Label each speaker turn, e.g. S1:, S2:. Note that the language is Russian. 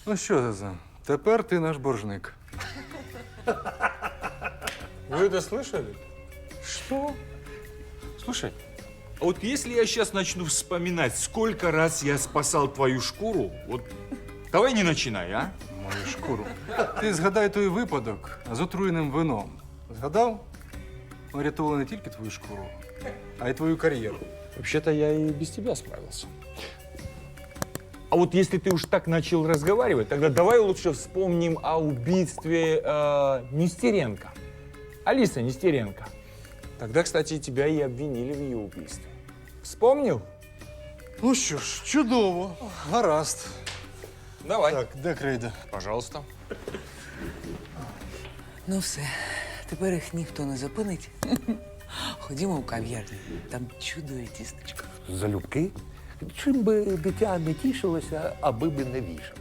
S1: Ну що, Заза, тепер ти наш боржник.
S2: Вы это слышали?
S3: Что? Слушай, а вот если я сейчас начну вспоминать, сколько раз я спасал твою шкуру, вот давай не начинай, а?
S1: Мою шкуру. Ти згадай той випадок з отруєним вином. Згадав? Ми рятували не тільки твою шкуру, а й твою кар'єру.
S2: Вообще-то я и без тебя справился.
S3: А вот если ты уж так начал разговаривать, тогда давай лучше вспомним о убийстве Нестеренко. Алиса Нестеренко. Тогда, кстати, тебя и обвинили в ее убийстве. Вспомнил?
S1: Ну що ж, чудово. Гаразд.
S3: Давай.
S1: Так, де крейда?
S3: Пожалуйста.
S4: Ну все, тепер їх ніхто не зупинить. Ходімо в кав'ярню, там чудове тістечко.
S5: Залюбки? Чим би дитя не тішилося, аби би не вішалося.